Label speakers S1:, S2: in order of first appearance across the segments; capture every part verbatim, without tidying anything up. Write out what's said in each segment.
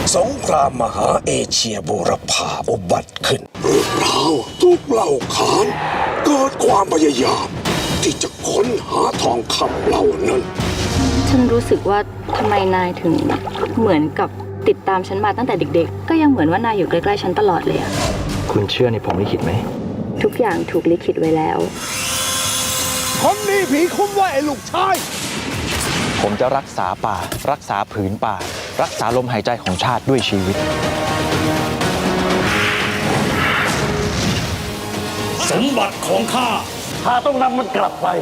S1: สงครามมหาเอเชียบูรพาอุบัติขึ้นเรื่องราวทุกเหล่าขานเกิดความพยายามที่จะค้นหาทองคำเหล่านั้น
S2: ฉันรู้สึกว่าทำไมนายถึงเหมือนกับติดตามฉันมาตั้งแต่เด็กๆก็ยังเหมือนว่านายอยู่ใกล้ๆฉันตลอดเลยอะ
S3: คุณเชื่อในผมลิขิตไหม
S2: ทุกอย่างถูกลิขิตไว้แล้ว
S1: คนนี้ผีคุ้มว่าไอ้ลูกชาย
S3: ผมจะรักษาป่า รักษาผืนป่า รักษาลมหายใจของชาติด้วยชีวิต
S1: สมบัติของข้าข้าต้องนำมันกลับไป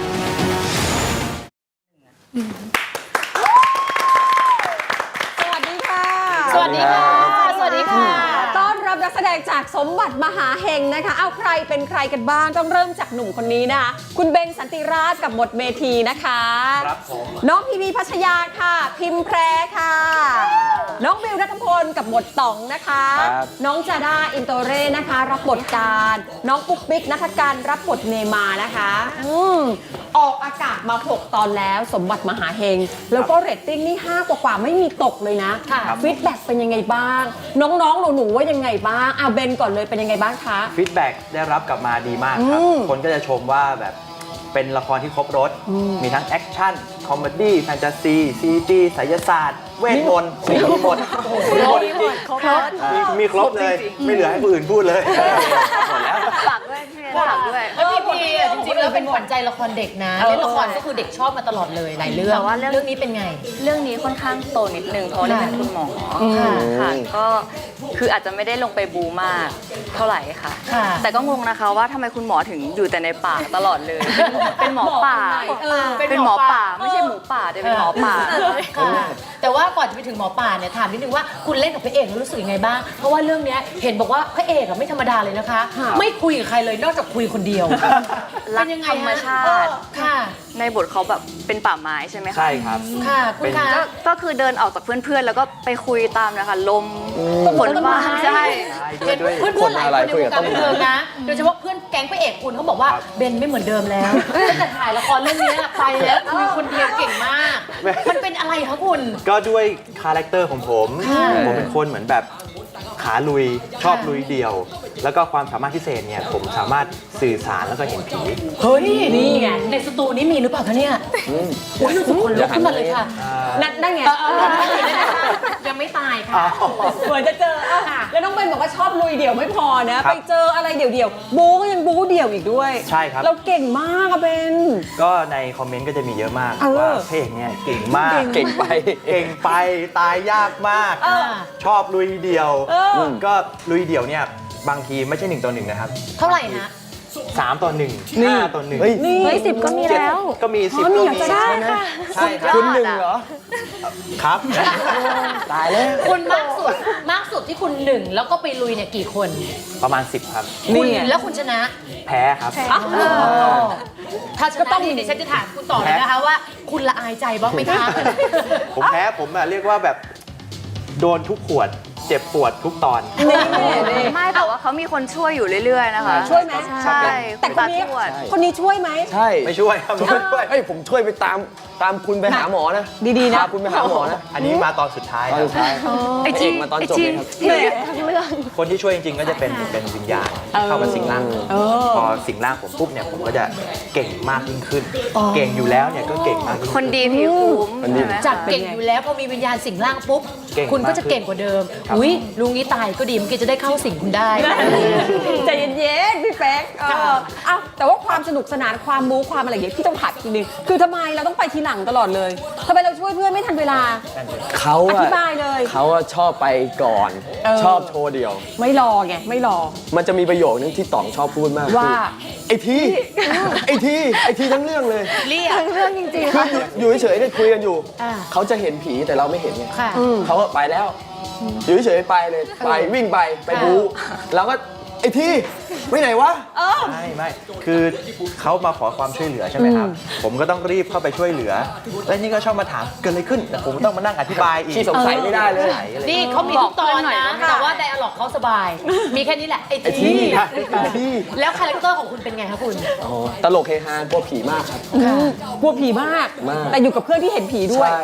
S4: สวัสดีค่ะ
S5: สวัสดีค่ะ สวัสดีค่ะ
S4: ต้อนรับนักแสดงจากสมบัติมหาเฮงนะคะ เอาใครเป็นใครกันบ้าง ต้องเริ่มจากหนุ่มคนนี้นะคะคุณเบนสันติราชกับบทเมทีนะคะ
S3: ครับผม
S4: น้องพีพีพัชยาค่ะ พิมพ์แพรค่ะ น้องบิวรัตพลกับบทต๋องนะคะ
S3: ครับ
S4: น้องจาด้าอินโตเร่นะคะ รับบทการน้องปุ๊กปิ๊กนัทการรับบทเนมานะคะอืมออกอากาศมาหกตอนแล้วสมบัติมหาเฮงแล้วก็เรตติ้งนี่ห้ากว่าๆไม่มีตกเลยนะ
S5: ค่ะ
S4: ฟีดแบ็กเป็นยังไงบ้าง น้องๆหนูๆว่ายังไงบ้างเอาเบนก่อนเลยเป็นยังไงบ้างคะ
S6: ฟีดแบ็กได้รับกลับมาดีมากครับ
S4: อืม
S6: คนก็จะชมว่าแบบเป็นละครที่ครบรถ มีทั้งแอคชั่น คอมเมดี้แฟนตาซี ซีจีไสยศาสตร์ เวทมนต์มีหมดมีหมดจริงๆ
S4: ครบ
S6: มีมีครบเลย ไม่เหลือให้คนอื่นพูดเลย หมดแล้ว
S2: ฝากด้วยพี่ฝากด้วย
S5: แล้วพี่พีอ่ะจริงๆแล้วเป็นขวัญใจละครเด็กนะ
S4: เออ
S5: เล่นละครก็คือเด็กชอบมาตลอดเลยหลายเรื่อง
S2: แต่ว่าเรื่อง
S5: เรื่องนี้เป็นไง
S2: เรื่องนี้ค่อนข้างโตนิดนึงเพราะได้เป็นคุณหมอค่ะค่ะก็คืออาจจะไม่ได้ลงไปบูมากเท่าไหร่ค่ะ
S5: ค่ะ
S2: แต่ก็งงนะคะว่าทำไมคุณหมอถึงอยู่แต่ในป่าตลอดเลย เป็นหมอป่า
S4: เออ
S2: เป็นหมอป่าไม่ใช่หมูป่าแต่เป็นหมอป่า
S5: ค่ะแต่ว่าก่อนจะไปถึงหมอป่าเนี่ยถามนิดนึงว่าคุณเล่นกับพระเอกแล้วรู้สึกยังไงบ้าง เพราะว่าเรื่องเนี้ยเห็นบอกว่าพระเอกอะไม่ธรรมดาเลยนะคะ
S4: ค่ะ
S5: ไม่คุยกับใครเลยนอกจากคุยคนเดียว
S2: รัก
S5: เป็นยังไง
S2: ธรรม
S5: ฮะ
S2: ชา
S5: เออ
S2: ติ
S5: ค่ะ
S2: ในบทเขาแบบเป็นป่าไม้ใช่ไหมคะ
S6: ใช่ครับ
S5: ค่ะคุณคะ
S2: ก็ก็คือเดินออกจากเพื่อนๆ แล้วก็ไปคุยตามนะคะลมฝนฟ้าใช่
S5: เห็นเพื่อนๆหลายคนในวงการบันเทิงนะ โดยเฉพาะเพื่อนแก๊งพระเอกคุณเขาบอกว่าเบนไม่เหมือนเดิมแล้วตั้งแต่ถ่ายละครเรื่องนี้ไปแล้วคุยคนเดียวเก่งมาก มันเป็นอะไรคะคุณ
S6: ก็ด้วยคาแรคเตอร์ของผม
S5: ค่ะ
S6: ผมเป็นคนเหมือนแบบขาลุย ชอบลุยเดี่ยว แล้วก็ความสามารถพิเศษเนี่ย ผมสามารถสื่อสารแล้วก็เห็นผี
S5: เฮ้ยนี่ไงในสตูนี้มีหรือเปล่าคะเนี่ยอุ้ยรู้สึกขนลุกขึ้นมาเลยค่ะ
S4: นัดได้ไง
S5: ยังไม่ตายค่ะ
S4: เหมือนจะเจออ่ะแล้วน้องเบนบอกว่าชอบลุยเดี่ยวไม่พอนะ ไปเจออะไรเดี่ยวๆบู๊ก็ยังบู๊เดี่ยวอีกด้วย
S6: ใช่ครับ
S4: เราเก่งมากอะเบน
S6: ก็ในคอมเมนต์ก็จะมีเยอะมาก
S4: เออ
S6: ว่าพระเอกเนี่ยเก่งมาก
S3: เก่งไป
S6: เก่งไปตายยากมาก
S4: เออ
S6: ชอบลุยเดี่ยว
S4: เออ
S6: ก็ลุยเดี่ยวเนี่ยบางทีไม่ใช่หนึ่งต่อหนึ่งนะครับ
S5: เท่าไหร่นะ
S6: สามต่อหนึ่งห้าต่อหนึ่ง
S3: เฮ้ย
S4: นี่
S2: เฮ้ยสิบก็มีแล้ว
S6: ก็มีสิบ
S4: อ๋อมี
S6: ก็
S4: อยาก
S6: มี
S4: จะได้
S6: ใช่ครับ
S3: คุณหนึ่งเหรอ
S6: ครับ
S3: ตายแล้ว
S5: คุณมากสุดมากสุดที่คุณหนึ่งแล้วก็ไปลุยเนี่ยกี่คน
S6: ประมาณสิบครับ
S5: คุณแล้วคุณชนะ
S6: แพ้ครับ
S5: ถ้าชนะนี่ดิฉันจะถามคุณต่อเลยนะคะว่า คุณละอายใจบ้างไหมคะ
S6: ผมแพ้ผมอะเรียกว่าแบบโดนทุกขวด เจ็บปวดทุกตอน
S4: นี่นี่
S2: ไม่แต่ว่าเขามีคนช่วยอยู่เรื่อยๆนะคะ
S4: ช่วยไหม
S2: ใช่
S4: แต่คนนี้
S2: ณตาทวด
S4: คนนี้ช่วยไหม
S3: ใช่
S6: ไม่ช่วยครับไม่ช่วย
S3: เฮ้ยผมช่วยไปตามตามคุณไปหาหมอนะ
S4: ดีๆนะ
S3: พาคุณไปหาหมอนะ
S6: อันนี้มาตอนสุดท้าย
S3: ตอน
S6: ครั
S3: สุ
S6: บ
S3: ดท้าย
S2: ไอจี
S3: เอกมาตอนจบเลยครับ
S2: ไอจีทั้งเรื่อง
S6: คนที่ช่วยจริงๆ ก็จะเป็นเป็นวิญญาณเข้ามาสิงร่างผม
S4: เออ
S6: พอสิงร่างผมปุ๊บเนี่ยผมก็จะเก่งมากยิ่งขึ้น เก่งอยู่แล้วเนี่ยก็เก่งมากยิ่ง
S2: ค
S6: ขึ้
S2: นดีผิวคุ้ม
S3: คนดี
S2: ใช่ไหม
S5: จากเก่งอยู่แล้วพอมีวิญญาณสิงร่างปุ๊บ
S6: เก่ง
S5: คุณก็จะ
S6: มากขึ้น
S5: เก่งกว่าเดิม อุ้ยลุงนี้ตายก็ดีเมื่อกี้จะได้เข้าสิงคุณได้
S4: ใจเย็นๆพี่แป๊กเออเอ้าแต่ว่าความสนุกสนานความบู๊ความอะไรอย่างเงี้ยพี่ต้องผัดทีนึงคือทำไมเราต้องไปทีหลังตลอดเลยทำไมเราช่วยเพื่อนไม่ทันเวลา
S3: เขา
S4: อ
S3: อะ
S4: ธิบายเลย
S3: เขาอะชอบไปก่อน
S4: เออ
S3: ชอบโชว์เดียว
S4: ไม่รอไงไม่รอ
S3: มันจะมีประโยคนึงที่ต๋องชอบพูดมาก
S4: ว่า
S3: คือไอ้ทีไอ้ทีไอ้ทีทั้งเรื่องเลย
S5: เรียก
S2: เรื่องจริงๆ
S3: คือ
S2: ค่ะ
S3: อยู่อยู่เฉยๆเนี่ยคุยกันอยู่
S5: อ่า
S3: เขาจะเห็นผีแต่เราไม่เห็นไง
S5: ค่ะ
S3: เขาก็ไปแล้ว อยู่เฉยๆไปเลยไปวิ่งไปไปบู๊แล้วก็ไอ้ทีไปไหนวะ
S6: ไม่ไม่คือเขามาขอความช่วยเหลือใช่ไหมครับ ผมก็ต้องรีบเข้าไปช่วยเหลือ และนี่ก็ชอบมาถามเกิดอะไรขึ้นแต่ผมต้องมานั่งอธิบายอีก
S3: ที่สงสัยไม่ได้เลย
S6: สงสัอะไร
S5: นี่เขามีทุกตอน
S2: บอกเพื่อนหน่อย
S5: นะ
S2: นะคะ
S5: แต่ว่าไดอะล็อกเขาสบาย มีแค่นี้แหละ ไอ้
S3: ไอ้
S5: ที
S3: ทีไอ้ที
S5: แล้วคาแรคเตอร์ของคุณเป็นไงคะคุณ
S3: อ๋อตลกเฮฮากลัวผีมากครับ
S4: กลัวผีมาก
S3: มาก
S4: แต่อยู่กับเพื่อนที่เห็นผีด้วย
S3: ใช่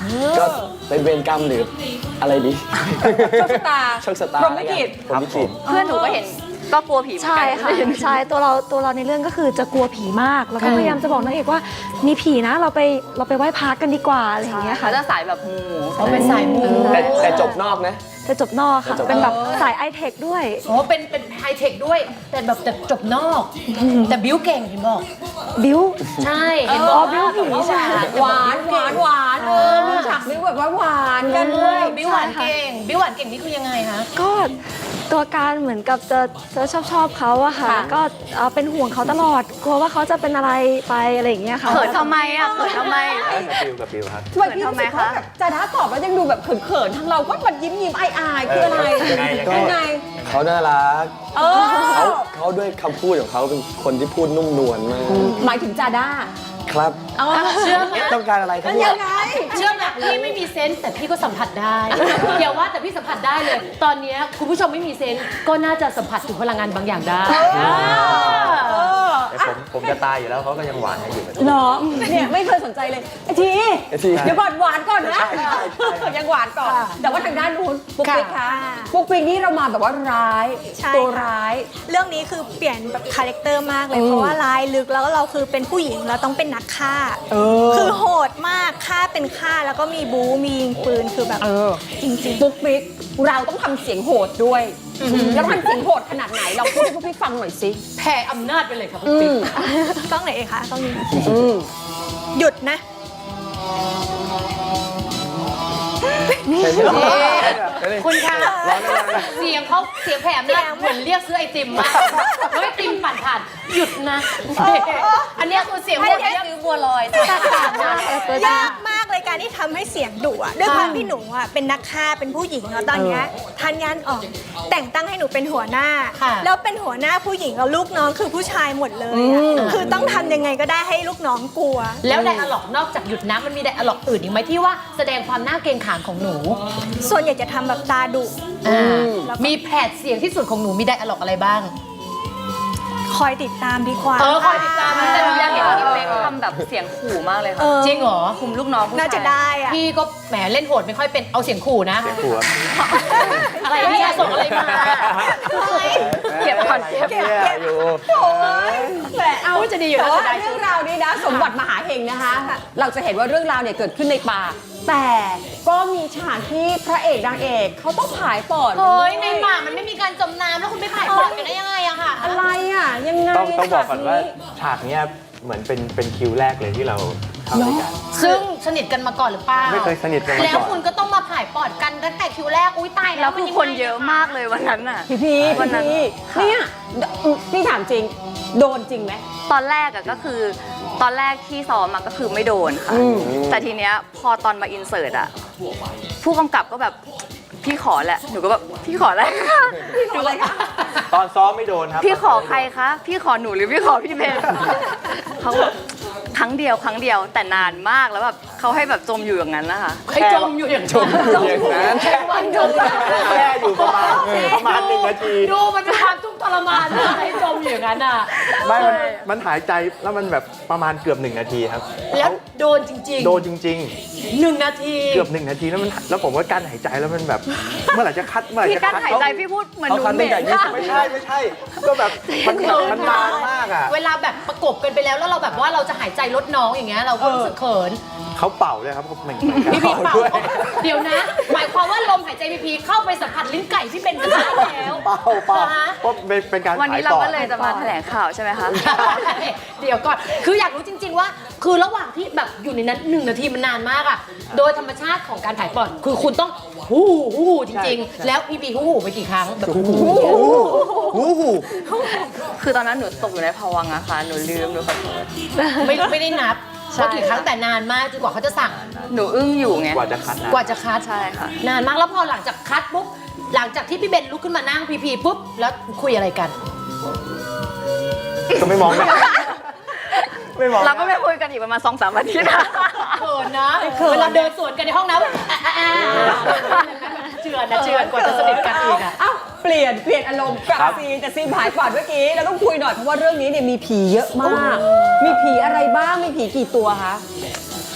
S3: ก็เป็นเวรกรรมหรืออะไรดี
S4: โชคชะตา
S3: โชคชะตา
S4: พรหมลิขิต
S3: พรหมลิขิต
S2: เพื่อนหนูก็เห็นก็กลัวผีเหมือน
S7: ใช่
S2: กัน
S7: ค่ะใช่ตัวเราตัวเราในเรื่องก็คือจะกลัวผีมาก แล้วก็พยายามจะบอกนางเอกว่ามีผีนะเราไปเราไปไหว้พระกันดีกว่าอะไรอย่างเงี้ยค่ะ
S2: เขาจะสายแบบมู
S5: เขาเป็นสายมู
S3: แต่แต่จบนอกนะ
S7: จะจบนอกค่ะ
S3: จะจบนอก
S7: เป็นแบบสายไอเทคด้วย
S5: โอ้เป็นเป็นไฮเทคด้วย แต่แบบแต่จบนอก แต่บิ้วเก่งเห็นบอก
S7: บิ้ว
S5: ใช่ เห็นบอก
S7: อ๋อบิ้ว
S5: ว่า
S7: ผี
S5: แบบว่า
S7: ใช่
S4: หวานหวานหวานเออมีฉากบิ้วแบบว่าหวานกันด้วย
S5: บิ้วหวานเก่ง บิ้วหวานเก่งนี่คือยังไงคะ
S7: ก็ตัวการเหมือนกับจะจะชอบชอบเขาอะค่ะ
S4: ค่ะ
S7: ก็เอ่อเป็นห่วงเขาตลอดกลัวว่าเขาจะเป็นอะไรไปอะไรอย่างเงี้ยค่ะ
S2: เขินทำไมอ่ะเขินทำไม
S6: กับบิวกับบิวครับ
S4: ทำไมพี่รู้สึกว่าแบบจะด้าตอบแล้วยังดูแบบเขินๆทางเราก็มันยิ้มยิ้มๆอายอายๆคืออะไร
S6: ยังไงยังไง
S4: ยังไง
S3: เขาน่ารัก
S4: เอ
S3: เขา
S4: อ
S3: เขาด้วยคำพูดของเขาเป็นคนที่พูดนุ่มนวลมาก
S4: หมายถึงจาด้า
S3: ครับ
S5: เชื่อไหม
S3: ต้องการอะไรครับ
S4: มัน
S3: เนี่
S4: ยั
S3: ย
S4: งไง
S5: เชื่อไหมพี่ไม่มีเซนส์แต่พี่ก็สัมผัสได้ เดี๋ยวว่าแต่พี่สัมผัสได้เลย ตอนเนี้ยคุณผู้ชมไม่มีเซนส์ก็น่าจะสัมผัสถึงพลังงานบางอย่างได้
S6: แต่ผมผมจะตายอยู่แล้วเขาก็ยังหวานกันอยู่
S4: เหรอเนี่ยไม่เคยสนใจเลยไอที
S3: ไอ้ที
S4: เดี๋ยวก่อนหวานก่อนนะยังหวานก่อน แต่ว่าทางด้านนู้นปุ๊กปิ๊กคะปุ๊กปิ๊กนี่เรามาแบบว่าร้าย
S8: ใช่
S4: ตัวร้าย
S8: เรื่องนี้คือเปลี่ยนแบบคาแรคเตอร์มากเลย เพราะว่าร้ายลึกแล้วเราคือเป็นผู้หญิงเราต้องเป็นนักฆ่า
S4: เออ
S8: คือโหดมากฆ่าเป็นฆ่าแล้วก็มีบู๊มียิงปืนคือแบบ
S4: เออ
S8: จริง
S4: ปุ๊กปิ๊กเราต้องทำเสียงโหดด้วย แล้วทำเสียงโหดขนาดไหนเราพูดให้พวกพี่ฟังหน่อยสิ
S5: แผ่อำนาจไปเลยครับ
S4: อื
S5: ปิ๊ก
S4: ม
S8: ๆ กล้องไหนเองคะกล้องนี้
S4: อืม
S8: หยุดนะ
S5: คุณคะเสียงเขาเสียงแผ่อำนาจเหมือนเรียกซื้อไอติมมากเฮ้ยติมปั่นผ่านหยุดนะ อันเนี้ยคือเสียง
S8: ไม่
S5: เหมือน
S8: ได้
S5: เรียก
S8: ซื้อบัวลอยยากมากเลยการที่ทำให้เสียงดุอะด้วยความที่หนูอะเป็นนักฆ่าเป็นผู้หญิงแล้วตอนเนี้ยทันยานออกแต่งตั้งให้หนูเป็นหัวหน้า แล้วเป็นหัวหน้าผู้หญิงแล้วลูกน้องคือผู้ชายหมดเลยอะคือต้องทำยังไงก็ได้ให้ลูกน้องกลัว
S5: แล้วไดอะล็อกนอกจากหยุดนะมันมีไดอะล็อกอื่นอีกไหมที่ว่าแสดงความน่าเกรงขามของหนู
S8: ส่วนใหญ่จะทำแบบตาดุ
S5: อ่ามีแผดเสียงที่สุดของหนูมีไดอะล็อกอะไรบ้าง
S8: คอยติดตามดีกว่า
S5: เออคอยติดตาม
S2: แต่หนูอยากเห็นพี่เป๊กทำแบบเสียงขู่มากเลยค่ะ
S8: เออ
S5: จริงเหรอ
S2: คุมลูกน้องผู้ชาย
S8: น่าจะได้อะ
S5: พี่ก็แหมเล่นโหดไม่ค่อยเป็นเอาเสียงขู่นะ
S6: เสียงขู่ครับ
S5: อะไรเนี่ยส่งอะไรมา
S2: เก็บก่อนเก็บ
S6: เนี่ยอยู่
S4: แต่เอา
S5: จะดีอยู่
S4: แต่
S5: แล้ว
S4: ว่า
S5: จะได้
S4: เรื่องราวนี้นะสมบัติมหาเฮงนะคะ เราจะเห็นว่าเรื่องราวเนี่ยเกิดขึ้นในป่า แต่ก็มีฉากที่พระเอกนางเอกเขาต้องผายปอด
S5: เฮ้ยในหมามันไม่มีการจมน้ำแล้วคุณไปผ่ายปอดกันได้ยังไงอะค่ะ
S4: อะไรอ่ะยังไง
S6: ต้องต้องบอกก่อนว่า
S4: ฉากนี้
S6: ฉากเนี้ยเหมือนเป็นเป็นคิวแรกเลยที่เราทำด้วยกัน
S5: ซึ่งสนิทกันมาก่อนหรือเปล่า
S6: ไม่เคยสนิทกันมาก่อน
S5: แล้วคุณก็ต้องมาผ่ายปอดกันตั้งแต่คิวแรกอุ้ยตายแล้
S2: แล้ว วคือคนเยอะมากเลยวันนั้นน่ะ
S4: พี่พี
S2: วั
S4: พี่
S2: นนั้น
S4: พี
S2: ค่ะ
S4: เนี่ยพี่ถามจริง โดนจริงไหม
S2: ตอนแรกอะก็คือตอนแรกที่ซ้อมอะก็คือไม่โดนค่ะ
S4: อืม
S2: แต่ทีเนี้ยพอตอนมาอินเสิร์ตอะผู้กำกับก็แบบพี่ขอแหละหนูก็แบบพี่ขอแหละพี่ขออะไรคะ
S6: ตอนซ้อมไม่โดนครับ
S2: พี่ขอใครคะพี่ขอหนูหรือพี่ขอพี่เบนเขาแบบครั้งเดียวครั้งเดียวแต่นานมากแล้วแบบเขาให้แบบจมอยู่อย่างนั้นนะคะ
S5: ให้จมอยู่อย่างจม
S3: อย่างนั้น
S5: แค่วันจม
S6: แค่อยู่ประมาณประมาณหนึ่งนาที
S5: ดูมันเป็นความทุกข์ทรมานมากให้จมอยู่อย่างนั้นอ่ะ
S6: ไม่มันมันหายใจแล้วมันแบบประมาณเกือบหนึ่งนาทีครับ
S5: แล้ว
S6: เขา
S5: โดนจริงๆ
S6: โดนจริง
S5: หนึ่งนาที
S6: ๆ เกือบหนึ่งนาทีแล้วมันแล้วผมก็กั้นหายใจแล้วมันแบบ เมื่อไหร่จะคัดเมื่อไหร่
S2: พี่
S6: จะ
S2: กั้น
S6: คัด
S2: หายใจพี่พูดเหมือนหนู
S3: เขาคัน
S2: เห
S3: ตั้
S2: ม็
S3: งแต่
S2: น
S3: ยี่สิบ
S6: ไม่ใช่ไม่ใช่ ก็แบบมันแบบมันนานมากอ่ะ
S5: เวลาแบบประกบกันไปแล้วแล้วเราแบบว่าเราจะหายใจลดน้องอย่างเงี้ยเราก็รู้สึกเขิน
S6: เขาเป่าด้วยครับเขาเหมือน
S5: พี่พีเป่า
S6: ด้วย
S5: เดี๋ยวนะ หมายความว่าลมหายใจพี่พีเข้าไปสัมผัสลิ้นไก่ที่เป็นกันได้แล้ว
S6: เป่าเป่า
S5: ฮะ
S6: เพราะเป็นเป็นการ
S2: วันนี้
S6: ข
S2: เรา
S6: ปอด
S2: ก็เลยจะมาแถลงข่าวใช่ไหมคะ
S5: เดี๋ยวก่อน คืออยากรู้จริง ๆ ว่า คือระหว่างที่แบบอยู่ในนั้นหนึ่งนาทีมันนานมากอะโดยธรรมชาติของการถ่ายปอด คือคุณต้องฮู้ฮู้จริง ๆ แล้วพี่พีฮู้ไปกี่ครั้งแบบฮู้
S6: หูหู
S2: คือตอนนั้นหนูตกอยู่ในภวังค์อะค่ะหนูลืมหนูขอโทษ
S5: ไม่ไม่ได้นับ
S2: ใช่
S5: ว่ากี่ครั้งแต่นานมากจนกว่าเขาจะสั่ง
S2: หนูอึ้งอยู่ไง
S6: กว่าจะคัดนะ
S5: กว่าจะคัด
S2: ใช่ค่ะ
S5: นานมากแล้วพอหลังจากคัดปุ๊บหลังจากที่พี่เบนลุกขึ้นมานั่งพีพีปุ๊บแล้วคุยอะไรกัน
S6: ก็ไม่มองนะไม่มองนะ
S2: เราก็ไม่คุยกันอีกประมาณสองสามอาทิตย์อะ
S5: เขินนะเวลาเดินสวนกันในห้องน้ำอ่ะอ่ะอ่ะเจือนนะเจือนกว่าจะสนิทกันอีกอ่ะ
S4: เอ้าเปลี่ยนเปลี่ยนอารมณ์กลับ
S6: ครับ
S4: ซีนแต่ซีนผายปอดเมื่อกี้เราต้องคุยหน่อยเพราะว่าเรื่องนี้เนี่ยมีผีเยอะมาก มีผีอะไรบ้างมีผีกี่ตัวคะ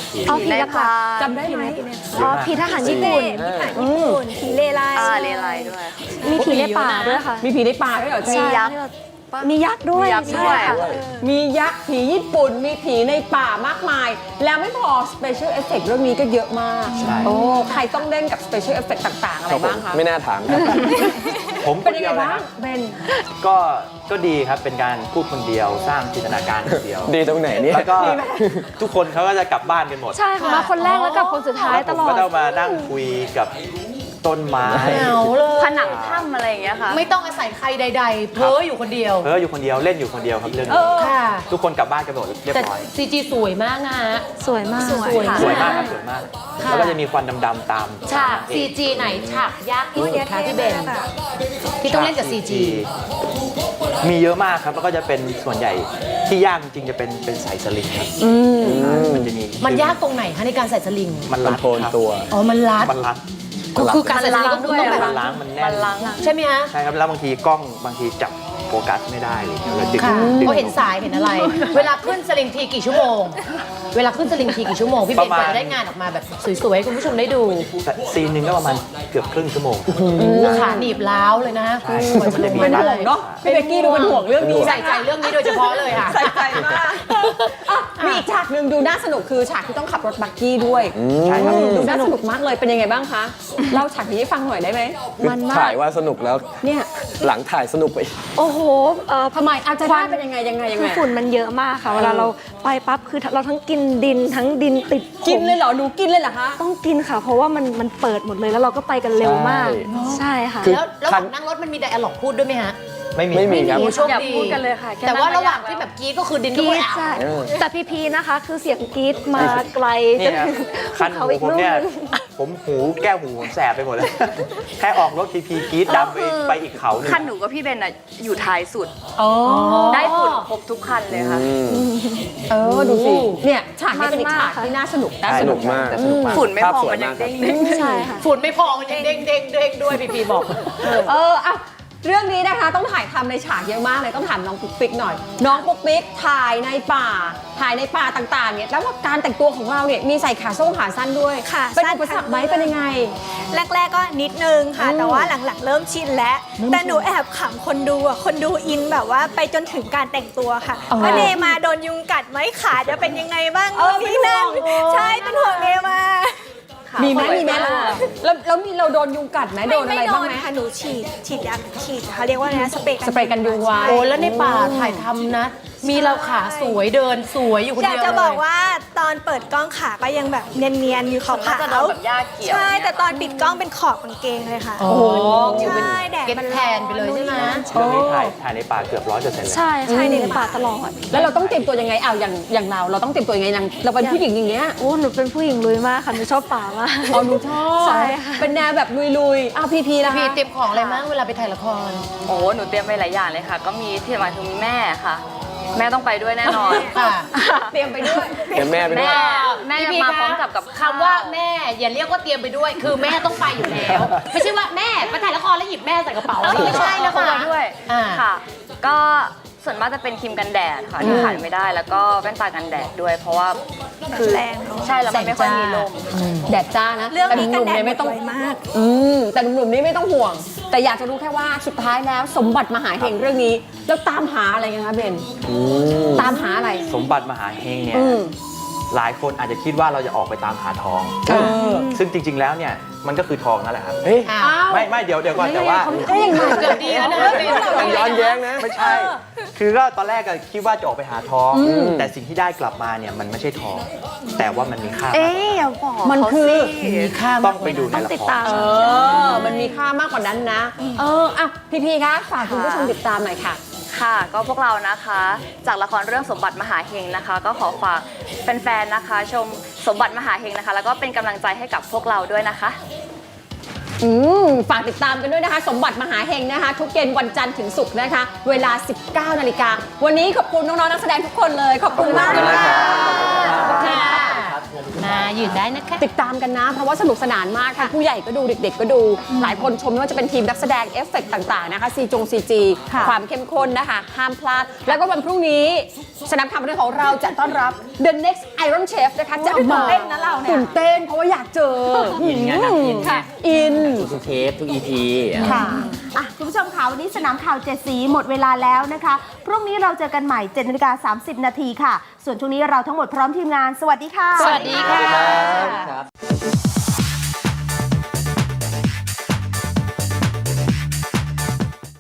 S6: ผี
S7: เอาผีหลัก
S4: จำได้ไหม
S7: ๆอ๋อผีทหารญี่ปุ่น
S8: ผีผ่านญี่ปุ่นผีเลไล
S2: อ่าเลไลด้วย
S7: มีผีในป่าด้วยค่ะ
S4: มีผีในป่าด้วยเหรอ
S7: มี
S4: จ๊ะ
S7: ยักษ์มียักษ์ด้วย
S2: มียักษ์ด้วย
S7: ใช่ค่ะ
S4: มียักษ์ผีญี่ปุ่น มีผีในป่ามากมาย แล้วไม่พอ Special Effect เรื่องนี้ก็เยอะมาก
S6: ใช่
S4: โอ้ใครต้องเล่นกับ Special Effect ต่างๆ อะไรบ้างคะ
S3: ไม่น่าถามครับ
S6: ผมค
S4: เป็น
S6: น
S4: ยัง
S6: เดี
S4: ไง
S6: ยวเลย
S4: บ้า
S6: ค
S4: ง
S6: รับ
S4: เบน
S6: ก็ก็ดีครับเป็นการพูดคนเดียวสร้างจินตนาการคนเดียว
S3: ดีตรงไหนเนี่ย
S6: แล้วก็ทุกคนเขาก็จะกลับบ้านกันหมด
S7: ใช่ค่ะมาคนแรกแล้วกับคนสุดท้าย
S6: แล้ว
S7: ต
S6: ผม
S7: ลอ
S6: ก็
S7: ด
S6: ต้องมานั่งคุยกับต้นไม้
S5: เหงาเลย
S2: ผนังถ้ำอะไรอย่างเงี้ยค่ะ
S5: ไม่ต้องอาศัยใครใด ๆ เพ้ออยู่คนเดียว
S6: เพ้ออยู่คนเดียวเล่นอยู่คนเดียวครับเรื่องนี้
S5: ค่ะ
S6: ทุกคนกลับบ้านกันหมดเรียบ
S5: แต่
S6: ร้อย
S5: ซีจีสวยมากนะฮะ
S7: สวยมาก
S5: สวย
S6: สวยมากครับสวยมาก
S5: ค่ะ
S6: แล้วก็จะมีควันดำๆตาม
S5: ฉาก ซีจี ไหนฉากยากที่สุดคะพี่เบน ที่ต้องเล่นกับ ซี จี
S6: มีเยอะมากครับแล้วก็จะเป็นส่วนใหญ่ที่ยากจริงๆจะเป็นเป็นสายสลิงครับมันจะมี
S5: มันยากตรงไหนคะในการใส่สลิง
S6: มัน
S3: คอ
S6: รั
S3: น
S6: ด
S3: โทรล
S6: ครับ
S3: ตัว
S5: อ๋อ มันรัด
S6: มันรัด
S5: ก็คือการใส่สลิงก็คือต้องแบบ
S6: มันล้างมันแน่
S2: มัน นล้าง
S5: ใช่ไหมฮะ
S6: ใช่ครับแล้วบางทีกล้องบางทีจับโฟกัสไม่ได้อะไรอย่างเงี้ยเราดึง
S5: ค่ะ
S6: ดึง
S5: เขาเห็นสายเห็นอะไร เวลาขึ้นสลิงทีกี่ชั่วโมง เวลาขึ้นสลิงทีกี่ชั่วโมง พี่เบนกว่าจะได้งานออกมาแบบสวยๆให้คุณผู้ชมได้ดู
S6: ซีนหนึ่งก็ประมาณเกือบครึ่งชั่วโมง
S5: ขาหนีบล้าวเลยนะกว่าจะลงมา
S4: เป็น
S5: ได้
S4: ห่วงเนาะพี่เบกกี้ดูเป็นห่วงเรื่องนี้
S5: ใส่ใจเรื่องนี้โดยเฉพาะเลยค่ะ
S4: ใส่ใจมากอ่ะมีอีกฉากหนึ่งดูน่าสนุกคือฉากที่ต้องขับรถบักกี้ด้วย
S6: ใช่ครับ
S4: ดูน่าสนุกมากเลยเป็นยังไงบ้างคะเล่าฉากนี้ให้ฟังหน่อยได้ไหม
S7: มันมา
S3: ถ่าก ยว่าสนุกแล้ว
S4: เนี่ย
S3: หลังถ่ายสนุกไป
S7: โอ้โหเอ่อ
S4: ทำไมอาจจะได้เป็นยังไงยังไงยัง
S7: คื
S4: ไง
S7: อฝุ่นมันเยอะมากค่ะ เวลาเราไปปั๊บคือเราทั้งกินดินทั้งดินติดผม
S4: กินเลยเหรอหนูกินเลยเหรอคะ
S7: ต้องกินค่ะ เพราะว่ามันมันเปิดหมดเลยแล้วเราก็ไปกันเร็วมาก
S3: ใช่
S7: ใช่ค่ะ
S3: คือ
S5: แล้วระหว่างนั่งรถมันมีไดอะล็อกพูดด้วยไหมฮะ
S6: ไม่มี
S3: ไม่มีครับ
S5: โอ้โชค
S2: อย่า
S5: ดี
S2: พูดกันเลยค่ะแค่
S5: แต่ว่า
S2: นั่งก็
S5: ระหว่าง
S2: ยากแล้ว
S5: ที่แบบกรีดก็คือดิน
S7: ก
S5: ก็
S7: รี
S5: ไม่
S7: ด
S5: เอา
S7: ใช่แต่พีพีนะคะ คือเสียงกรีดมาไกล
S6: นี่นะคัน
S7: เขา
S6: หู
S7: อีก
S6: ผม
S7: ลูก
S6: เนี่ย
S7: นึง
S6: ผมหูแก้วหูผมแสบไปหมดเลย แค่ออกรถทีพีกรีดดำไปไปอีกเขาหนึ่ง
S2: คันหนูกับพี่เบนอะอยู่ท้ายสุด
S4: อ๋อ
S2: ได้ฝุ่นครบทุกคันเลยค่ะ
S4: เออดูสิเนี่ยฉากนี้เป็นอีกฉากที่น่าสนุกน่า
S3: ส
S4: ส
S3: นุ
S4: นุ
S3: ก
S4: ก
S3: มาก
S6: แต่สนุกมาก
S2: ฝุ่นไม่
S3: ภาพ
S2: พอ
S3: สวย
S2: มันยัง
S3: มากครับ
S2: เด้งๆ
S7: ใช่ค่ะ
S5: ฝุ่นไม่พอมันยังเด้งเด้งเด้งด้วยพี่พีบอก
S4: เอออ่ะเรื่องนี้นะคะต้องถ่ายทำในฉากเยอะมากเลยต้องถามน้องปุ๊กปิ๊กหน่อย น้องปุ๊กปิ๊กถ่ายในป่า ถ่ายในป่าต่างๆเนี่ยแล้วว่าการแต่งตัวของเราเนี่ยมีใส่ขาส้งขาสั้นด้วย
S8: ค่ะ
S4: เป็น
S8: สั้น
S4: อุปสรรคไหมเป็นยังไง
S8: แรก ๆ ก็นิดนึงค่ะ
S4: อืม
S8: แต่ว่าหลังๆ เริ่มชินแล้ว แต่หนูแอบขำคนดูอ่ะ คนดูอินแบบว่าไปจนถึงการแต่งตัวค่ะว่าเนมาโดนยุงกัดไหมขาจะเป็นยังไงบ้าง
S4: เออ
S8: นี่นั่น
S4: เป็นห่วง
S8: ใช่ เป็นห่วงเนมา
S4: มีไหมมีไหมแล้วแล้วแล้วมีเราโดนยุงกัดไหมโดนอะไรบ้างไหม
S8: ค่ะ หนูฉีด ฉีดยาฉีดเขาเรียกว่าอะไรนะ สเปรย์
S4: สเปรย์กันยุงไว้
S5: โอ้แล้วในป่าถ่ายทำนะ มีเราขาสวยเดินสวยอยู่คน
S8: อยาก
S5: เดียว
S8: จะ
S5: เล
S8: บอก
S5: ย
S8: ว่าตอนเปิดกล้องขาก็ยังแบบเนียนๆอยู่ขาว
S2: ส่วนมากจะโดน
S8: ๆ
S2: แบบหญ้าเกี่ยว
S8: ใช่ แต่ตอนปิดกล้องเป็นขอบกางเกงเลยค่ะ
S5: โอ้โห
S8: ใช่แดด
S5: เก็ต
S8: มัน
S5: แทนไปเลยใช่ไหม
S6: เรื่องนี้ถ่ายถ่ายในป่าเกือบร้อยเปอร์เซ็นต์เลย
S7: ใช่ใช่ในป่าตลอด
S4: แล้วเราต้องเตรียมตัวยังไงเอาอย่างอย่างเราเราต้องเตรียมตัวยังไงอย่างเราเป็นผู้หญิงอย่างเงี้ย
S7: โอ้หนูเป็นผู้หญิงลุยมากค่ะหนูชอบป่ามาก
S4: อ๋อหนูชอบ
S7: ใช่ค่ะ
S4: เป็นแนวแบบลุยๆอ้าวพีพีนะ
S5: พี่
S4: คะ
S5: เตรียมของอะไรมั้งเวลาไปถ่ายละคร
S2: โอ้โหหนูเตรียมไปหลายอย่างเลยค่ะ ก็มีที่หมายถึงมีแม่ค่ะ แม่ต้องไปด้วยแน่นอน
S5: ค่ะ
S4: เตรียมไปด้วย
S3: เดี๋ยวแม่ไปด้วย
S2: แม่แม่
S5: พี่
S2: มา
S5: คะ
S2: พร้อมกับกับข้าว
S5: คำว่าแม่อย่าเรียกว่าเตรียมไปด้วย คือแม่ต้องไปอยู่แล้ว ไม่ใช่ว่าแม่ไปถ่ายละครแล้วหยิบแม่ใส่กระเป๋าไม่ใช่นะ
S2: พก
S5: คะ
S2: ไปด้วย
S5: อ่า
S2: ค่ะ ก็ส่วนมากจะเป็นครีมกันแดดค่ะที่ขาดไม่ได้ แล้วก็แว่นตากันแดดด้วย เพราะว่าคือ
S8: แรงเนอะ
S2: ใช่แล้วมันไม่ค่อยมีลม
S4: แดดจ้านะ
S8: เรื่องนี้
S4: แต่
S8: กัน
S4: หนุ่ม
S8: แด
S4: ๆ
S8: ด
S4: เนี่ยไม่ต้อง
S8: สวยมาก
S4: อืมแต่หนุ่มๆนี่ไม่ต้องห่วง แต่อยากจะรู้แค่ว่าสุดท้ายแล้วสมบัติมหาเฮงเรื่องนี้ แล้วตามหาอะไรกันคะเบนตามหาอะไร
S6: สมบัติมหาเฮงเนี่ย
S4: อืม
S6: หลายคนอาจจะคิดว่าเราจะออกไปตามหาทอง
S4: เออ
S6: ซึ่งจริง ๆ แล้วเนี่ยมันก็คือทองนั่นแหละครับ
S3: เฮ้ย
S5: อ้าว
S4: อ้าว
S6: ไม่ไม่เดี๋ยวเดี๋ยวก่อนแต่ว่า
S4: เอ้ยยังไง
S5: เกือบดีแล้วนะ
S3: มันย้อนแย้งนะ
S6: ไม่ใช่ คือก็ตอนแรกก็คิดว่าจะออกไปหาทอง แต่สิ่งที่ได้กลับมาเนี่ยมันไม่ใช่ทอง แต่ว่ามันมีค่ามากก
S2: เอ๊
S6: ว่า
S2: ะอย่าบอก
S4: มันคือ
S5: มีค่า
S6: ต้
S5: มา
S6: อก งไปดูใน
S7: ต้อง
S6: ละ
S7: ติด
S6: คร
S7: ตาม
S4: เออ มันมีค่ามากกว่านั้นนะ เอออ่ะพีพีคะฝากคุณผู้ชมติดตามหน่อยค่ะ
S2: ค่ะ ก็พวกเรานะคะ จากละครเรื่องสมบัติมหาเฮงนะคะ ก็ขอฝากแฟนๆนะคะ ชมสมบัติมหาเฮงนะคะ แล้วก็เป็นกำลังใจให้กับพวกเราด้วยนะคะ
S4: อืมฝากติดตามกันด้วยนะคะ สมบัติมหาเฮงนะคะ ทุกเย็นวันจันทร์ถึงศุกร์นะคะ เวลา สิบเก้านาฬิกาวันนี้ขอบคุณน้องๆนักแสดงทุกคนเลย ขอบคุณมากเลยค่ะ
S5: ค่ะมายืนตได้นะคะ
S4: ติดตามกันนะ เพราะว่าสนุกสนานมากค่ะผู้ใหญ่ก็ดูเด็กๆก็ดู หลายคนชมไม่ว่าจะเป็นทีมนักแสดงเอฟเฟกต์ต่างๆนะคะซีจงซีจีความเข้มข้นนะคะห้ามพลาด แล้วก็วันพรุ่งนี้สนามข่าวบันเทิงของเราจะต้อนรับ The Next Iron Chef นะคะจะมา
S8: ตื่นเต้นนะเราเนี่ย
S4: ตื่นเต้นเพราะว่าอยากเจอ
S9: อินไงนางอินไง
S4: ค่ะอิน
S9: ทุกเทปทุกอีพี
S10: ค่ะอ่ะ คุณผู้ชมค่ะวันนี้สนามข่าวเจ็ดสีหมดเวลาแล้วนะคะ พรุ่งนี้เราเจอกันใหม่เจ็ดนาฬิกาสามสิบนาทีค่ะ ส่วนช่วงนี้เราทั้งหมดพร้อมทีมงาน สวัสดีค่ะ
S5: สวัสดีค่ะ
S3: ครับ